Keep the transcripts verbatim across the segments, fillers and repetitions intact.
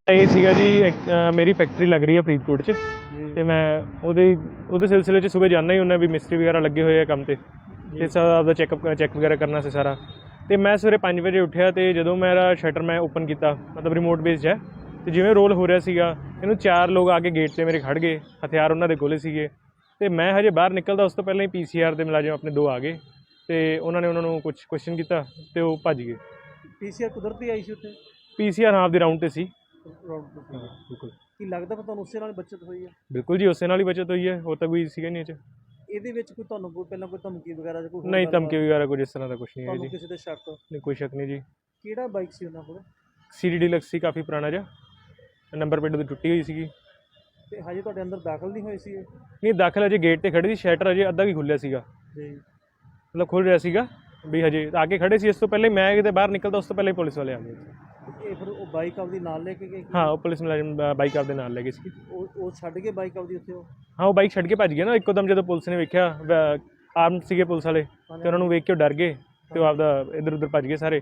ਇਹ ਸੀਗਾ ਜੀ ਇੱਕ, ਅ, ਮੇਰੀ ਫੈਕਟਰੀ ਲੱਗ ਰਹੀ ਹੈ ਫਰੀਦਕੋਟ 'ਚ ਅਤੇ ਮੈਂ ਉਹਦੇ ਉਹਦੇ ਸਿਲਸਿਲੇ 'ਚ ਸੁਬਹ ਜਾਂਦਾ ਹੀ ਹੁੰਦਾ ਵੀ ਮਿਸਤਰੀ ਵਗੈਰਾ ਲੱਗੇ ਹੋਏ ਆ ਕੰਮ 'ਤੇ ਅਤੇ ਸਾਰਾ ਆਪਦਾ ਚੈੱਕਅਪ ਚੈੱਕ ਵਗੈਰਾ ਕਰਨਾ ਸੀ ਸਾਰਾ। ਅਤੇ ਮੈਂ ਸਵੇਰੇ ਪੰਜ ਵਜੇ ਉੱਠਿਆ ਅਤੇ ਜਦੋਂ ਮੇਰਾ ਸ਼ਟਰ ਮੈਂ ਓਪਨ ਕੀਤਾ, ਮਤਲਬ ਰਿਮੋਟ ਬੇਸਡ ਹੈ, ਅਤੇ ਜਿਵੇਂ ਰੋਲ ਹੋ ਰਿਹਾ ਸੀਗਾ ਇਹਨੂੰ ਚਾਰ ਲੋਕ ਆ ਕੇ ਗੇਟ 'ਤੇ ਮੇਰੇ ਖੜ੍ਹ ਗਏ, ਹਥਿਆਰ ਉਹਨਾਂ ਦੇ ਕੋਲ ਸੀਗੇ। ਅਤੇ ਮੈਂ ਹਜੇ ਬਾਹਰ ਨਿਕਲਦਾ ਉਸ ਤੋਂ ਪਹਿਲਾਂ ਹੀ ਪੀ ਸੀ ਆਰ ਦੇ ਮੁਲਾਜ਼ਮ ਆਪਣੇ ਦੋ ਆ ਗਏ ਅਤੇ ਉਹਨਾਂ ਨੇ ਉਹਨਾਂ ਨੂੰ ਕੁਛ ਕੁਐਸਚਨ ਕੀਤਾ ਅਤੇ ਉਹ ਭੱਜ ਗਏ। ਪੀ ਸੀ ਆਰ ਕੁਦਰਤੀ ਆਈ ਸੀ ਉੱਥੇ? ਪੀ ਸੀ ਆਰ ਹਾਂ ਆਪਦੀ ਰਾਊਂਡ 'ਤੇ ਸੀ। ਬਿਲਕੁਲ। ਕੀ ਲੱਗਦਾ ਫਿਰ ਤੁਹਾਨੂੰ ਉਸੇ ਨਾਲ ਬੱਚਤ ਹੋਈ ਹੈ? ਬਿਲਕੁਲ ਜੀ, ਉਸੇ ਨਾਲ ਹੀ ਬਚਤ ਹੋਈ ਹੈ, ਹੋਰ ਤਾਂ ਕੋਈ ਸੀਗਾ ਨਹੀਂ ਇਹ 'ਚ। ਇਹਦੇ ਵਿੱਚ ਕੋਈ ਤੁਹਾਨੂੰ ਕੋਈ ਪਹਿਲਾਂ ਕੋਈ ਧਮਕੀ ਵਗੈਰਾ ਜਾਂ ਕੋਈ ਹੋਰ ਨਹੀਂ, ਗੱਲਬਾਤ? ਧਮਕੀ ਵਗੈਰਾ ਕੁਝ ਇਸ ਤਰ੍ਹਾਂ ਦਾ ਕੁਛ ਨਹੀਂ ਹੈ ਤੁਹਾਨੂੰ ਜੀ। ਕਿਸੇ ਤੇ ਸ਼ੱਕ? ਨਹੀਂ, ਕੋਈ ਸ਼ੱਕ ਨਹੀਂ ਜੀ। ਕਿਹੜਾ ਬਾਈਕ ਸੀ ਉਹਨਾਂ ਕੋਲ? ਸੀ ਡੀ ਡੀਲਕਸ ਸੀ, ਕਾਫੀ ਪੁਰਾਣਾ ਜਿਹਾ, ਨੰਬਰ ਪਲੇਟ ਉਹਦੀ ਟੁੱਟੀ ਹੋਈ ਸੀਗੀ। ਤੇ ਹਜੇ ਤੁਹਾਡੇ ਅੰਦਰ ਦਾਖਲ ਨਹੀਂ ਹੋਏ ਸੀ ਇਹ? ਨਹੀਂ, ਦਾਖਲ ਅਜੇ ਗੇਟ 'ਤੇ ਖੜ੍ਹੀ ਸੀ, ਸ਼ਟਰ ਅਜੇ ਅੱਧਾ ਵੀ ਖੁੱਲ੍ਹਿਆ ਸੀਗਾ, ਜੀ। ਮਤਲਬ ਖੁੱਲ੍ਹ ਰਿਹਾ ਸੀਗਾ ਵੀ ਹਜੇ ਆ ਕੇ ਖੜ੍ਹੇ ਸੀ। ਇਸ ਤੋਂ ਪਹਿਲੇ ਮੈਂ ਕਿਤੇ ਬਾਹਰ ਨਿਕਲਦਾ ਉਸ ਤੋਂ ਪਹਿਲੇ ਪੁਲਿਸ ਵਾਲੇ ਆ ਗਏ। ਇਹ ਫਿਰ ਉਹ ਬਾਈਕ ਆਪਦੀ ਨਾਲ ਲੈ ਕੇ ਗਏ? ਹਾਂ, ਉਹ ਪੁਲਿਸ ਮੁਲਾਜ਼ਮ ਬਾਈਕ ਆਪਦੇ ਨਾਲ ਲੈ ਗਏ ਸੀ। ਉਹ ਉਹ ਛੱਡ ਕੇ ਬਾਈਕ ਆਪਦੀ ਉੱਥੇ ਉਹ? ਹਾਂ, ਉਹ ਬਾਈਕ ਛੱਡ ਕੇ ਭੱਜ ਗਿਆ ਨਾ ਇੱਕੋ ਦਮ, ਜਦੋਂ ਪੁਲਿਸ ਨੇ ਵੇਖਿਆ ਆਰਮ ਸੀਗੇ ਪੁਲਿਸ ਵਾਲੇ, ਅਤੇ ਉਹਨਾਂ ਨੂੰ ਵੇਖ ਕੇ ਉਹ ਡਰ ਗਏ ਅਤੇ ਉਹ ਆਪਦਾ ਇੱਧਰ ਉੱਧਰ ਭੱਜ ਗਏ ਸਾਰੇ।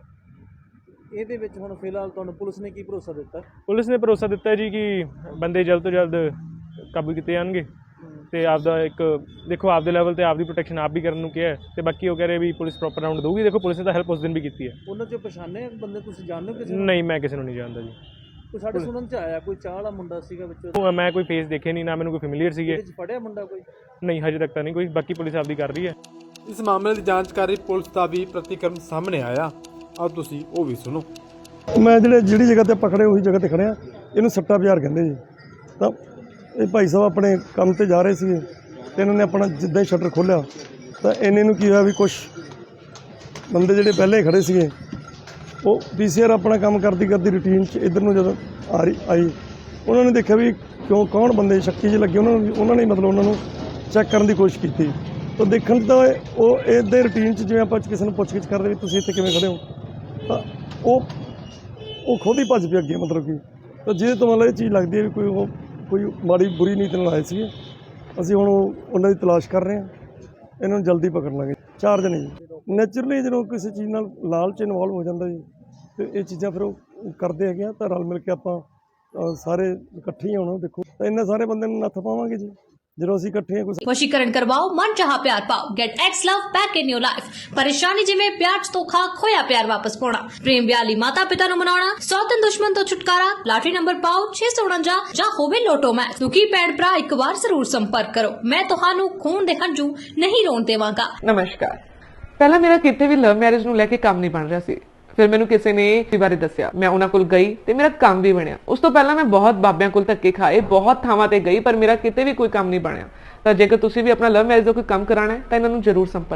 ਇਹਦੇ ਵਿੱਚ ਹੁਣ ਫਿਲਹਾਲ ਤੁਹਾਨੂੰ ਪੁਲਿਸ ਨੇ ਕੀ ਭਰੋਸਾ ਦਿੱਤਾ? ਪੁਲਿਸ ਨੇ ਭਰੋਸਾ ਦਿੱਤਾ ਜੀ ਕਿ ਬੰਦੇ ਜਲਦ ਤੋਂ ਜਲਦ ਕਾਬੂ ਕੀਤੇ ਜਾਣਗੇ ਅਤੇ ਆਪਦਾ ਇੱਕ ਦੇਖੋ ਆਪਦੇ ਲੈਵਲ 'ਤੇ ਆਪਦੀ ਪ੍ਰੋਟੈਕਸ਼ਨ ਆਪ ਵੀ ਕਰਨ ਨੂੰ ਕਿਹਾ ਅਤੇ ਬਾਕੀ ਉਹ ਕਹਿ ਰਹੇ ਵੀ ਪੁਲਿਸ ਪ੍ਰੋਪਰ ਰਾਊਂਡ ਦੇਊਗੀ। ਦੇਖੋ ਪੁਲਿਸ ਨੇ ਤਾਂ ਹੈਲਪ ਉਸ ਦਿਨ ਵੀ ਕੀਤੀ ਹੈ। ਉਹਨਾਂ 'ਚੋਂ ਪਛਾਣੇ ਬੰਦੇ ਤੁਸੀਂ ਜਾਣਦੇ ਹੋ ਕਿਸੇ ਨੂੰ? ਨਹੀਂ, ਮੈਂ ਕਿਸੇ ਨੂੰ ਨਹੀਂ ਜਾਣਦਾ ਜੀ। ਕੋਈ ਸਾਡੇ ਸੁਣਨ 'ਚ ਆਇਆ ਕੋਈ ਚਾਹ ਵਾਲਾ ਮੁੰਡਾ ਸੀਗਾ ਵਿੱਚ? ਉਹ ਮੈਂ ਕੋਈ ਫੇਸ ਦੇਖੇ ਨਹੀਂ, ਨਾ ਮੈਨੂੰ ਕੋਈ ਫੈਮਿਲੀਅਰ ਸੀਗੇ। ਇਹਦੇ 'ਚ ਫੜਿਆ ਮੁੰਡਾ ਕੋਈ? ਨਹੀਂ, ਹਜੇ ਤੱਕ ਤਾਂ ਨਹੀਂ ਕੋਈ, ਬਾਕੀ ਪੁਲਿਸ ਆਪਦੀ ਕਰ ਰਹੀ ਹੈ। ਇਸ ਮਾਮਲੇ ਦੀ ਜਾਂਚ ਕਰ ਰਹੀ ਪੁਲਿਸ ਦਾ ਵੀ ਪ੍ਰਤੀਕਰਮ ਸਾਹਮਣੇ ਆਇਆ। ਆਓ ਤੁਸੀਂ ਉਹ ਵੀ ਸੁਣੋ। ਮੈਂ ਜਿਹੜੇ ਜਿਹੜੀ ਜਗ੍ਹਾ ਤੇ ਪਕੜੇ ਉਹੀ ਜਗ੍ਹਾ ਤੇ ਖੜਿਆ, ਇਹਨੂੰ ਸੱਟਾ ਬਾਜ਼ਾਰ ਕਹਿੰਦੇ ਜੀ। ਤਾਂ ਇਹ ਭਾਈ ਸਾਹਿਬ ਆਪਣੇ ਕੰਮ ਤੇ ਜਾ ਰਹੇ ਸੀਗੇ ਅਤੇ ਇਹਨਾਂ ਨੇ ਆਪਣਾ ਜਿੱਦਾਂ ਹੀ ਸ਼ਟਰ ਖੋਲ੍ਹਿਆ ਤਾਂ ਇਹਨੇ ਨੂੰ ਕੀ ਹੋਇਆ ਵੀ ਕੁਛ ਬੰਦੇ ਜਿਹੜੇ ਪਹਿਲੇ ਖੜ੍ਹੇ ਸੀਗੇ ਉਹ ਪੀ ਸੀ ਆਰ ਆਪਣਾ ਕੰਮ ਕਰਦੀ ਕਰਦੀ ਰੂਟੀਨ 'ਚ ਇੱਧਰ ਨੂੰ ਜਦੋਂ ਆ ਰਹੀ ਆਈ, ਉਹਨਾਂ ਨੇ ਦੇਖਿਆ ਵੀ ਕਿਉਂ ਕੌਣ ਬੰਦੇ ਸ਼ੱਕੀ ਜਿਹੇ ਲੱਗੇ, ਉਹਨਾਂ ਨੂੰ ਉਹਨਾਂ ਨੇ ਮਤਲਬ ਉਹਨਾਂ ਨੂੰ ਚੈੱਕ ਕਰਨ ਦੀ ਕੋਸ਼ਿਸ਼ ਕੀਤੀ। ਤਾਂ ਦੇਖਣ 'ਚ ਤਾਂ ਉਹ ਇਹਦੇ ਰੂਟੀਨ 'ਚ ਜਿਵੇਂ ਆਪਾਂ ਕਿਸੇ ਨੂੰ ਪੁੱਛ ਗਿੱਛ ਕਰਦੇ ਵੀ ਤੁਸੀਂ ਇੱਥੇ ਕਿਵੇਂ ਖੜ੍ਹੇ ਹੋ, ਤਾਂ ਉਹ ਉਹ ਖੁਦ ਹੀ ਭੱਜ ਪਿਆ ਅੱਗੇ, ਮਤਲਬ ਕਿ ਤਾਂ ਜਿਹਦੇ ਤੋਂ ਮਤਲਬ ਇਹ ਚੀਜ਼ ਲੱਗਦੀ ਹੈ ਵੀ ਕੋਈ ਉਹ ਕੋਈ ਮਾੜੀ ਬੁਰੀ ਨੀਤ ਨਾਲ ਆਏ ਸੀਗੇ। ਅਸੀਂ ਹੁਣ ਉਹਨਾਂ ਦੀ ਤਲਾਸ਼ ਕਰ ਰਹੇ ਹਾਂ, ਇਹਨਾਂ ਨੂੰ ਜਲਦੀ ਪਕੜ ਲਾਂਗੇ। ਚਾਰ ਜਣੇ ਜੀ। ਨੈਚੁਰਲੀ ਜਦੋਂ ਕਿਸੇ ਚੀਜ਼ ਨਾਲ ਲਾਲਚ ਇਨਵੋਲਵ ਹੋ ਜਾਂਦਾ ਜੀ ਅਤੇ ਇਹ ਚੀਜ਼ਾਂ ਫਿਰ ਉਹ ਕਰਦੇ ਹੈਗੇ ਆ, ਤਾਂ ਰਲ ਮਿਲ ਕੇ ਆਪਾਂ ਸਾਰੇ ਇਕੱਠੇ ਹੀ ਹੋਣਾ। ਦੇਖੋ ਤਾਂ ਇੰਨੇ ਸਾਰੇ ਬੰਦੇ ਨੂੰ ਨੱਥ ਪਾਵਾਂਗੇ ਜੀ ਜਦੋਂ ਅਸੀਂ ਇਕੱਠੇ ਹਾਂ। ਵਸ਼ੀਕਰਨ ਕਰਵਾਓ, ਮਨ ਚਾਹਾ ਪਿਆਰ ਪਾਓ। Get ex love back in your life. ਪਰੇਸ਼ਾਨੀ ਜਿਵੇਂ ਪਿਆਰ ਚ ਧੋਖਾ, ਖੋਇਆ ਪਿਆਰ ਵਾਪਸ ਪਾਉਣਾ, ਪ੍ਰੇਮ ਵਿਆਹ ਲਈ ਮਾਤਾ ਪਿਤਾ ਨੂੰ ਮਨਾਉਣਾ, ਸੌਤਨ ਦੁਸ਼ਮਣ ਤੋਂ ਛੁਟਕਾਰਾ, ਲਾਟਰੀ ਨੰਬਰ ਪਾਓ ਛੇ ਸੌ ਉਣੰਜਾ ਜਾਂ ਹੋਵੇ ਲੋਟੋ ਮੈਚ। ਦੁਖੀ ਭੈਣ ਭਰਾ ਇੱਕ ਵਾਰ ਜ਼ਰੂਰ ਸੰਪਰਕ ਕਰੋ। ਮੈਂ ਤੁਹਾਨੂੰ ਖੂਨ ਦੇ ਹੰਝੂ ਨਹੀਂ ਰੋਣ ਦੇਵਾਂਗਾ। ਨਮਸਕਾਰ। ਪਹਿਲਾਂ ਮੇਰਾ ਕਿਤੇ ਵੀ ਲਵ ਮੈਰਿਜ ਨੂੰ ਲੈ ਕੇ ਕੰਮ ਨਹੀਂ ਬਣ ਰਿਹਾ ਸੀ। ਫਿਰ ਮੈਨੂੰ ਕਿਸੇ ਨੇ ਇਸ ਬਾਰੇ ਦੱਸਿਆ, ਮੈਂ ਉਹਨਾਂ ਕੋਲ ਗਈ ਤੇ ਮੇਰਾ ਕੰਮ ਵੀ ਬਣਿਆ। ਉਸ ਤੋਂ ਪਹਿਲਾਂ ਮੈਂ ਬਹੁਤ ਬਾਬਿਆਂ ਕੋਲ ਧੱਕੇ ਖਾਏ, ਬਹੁਤ ਥਾਵਾਂ ਤੇ ਗਈ, ਪਰ ਮੇਰਾ ਕਿਤੇ ਵੀ ਕੋਈ ਕੰਮ ਨਹੀਂ ਬਣਿਆ। ਤਾਂ ਜੇਕਰ ਤੁਸੀਂ ਵੀ ਆਪਣਾ ਲਵ ਮੈਰਿਜ ਦਾ ਕੋਈ ਕੰਮ ਕਰਾਉਣਾ ਹੈ ਤਾਂ ਇਹਨਾਂ ਨੂੰ ਜ਼ਰੂਰ ਸੰਪਰਕ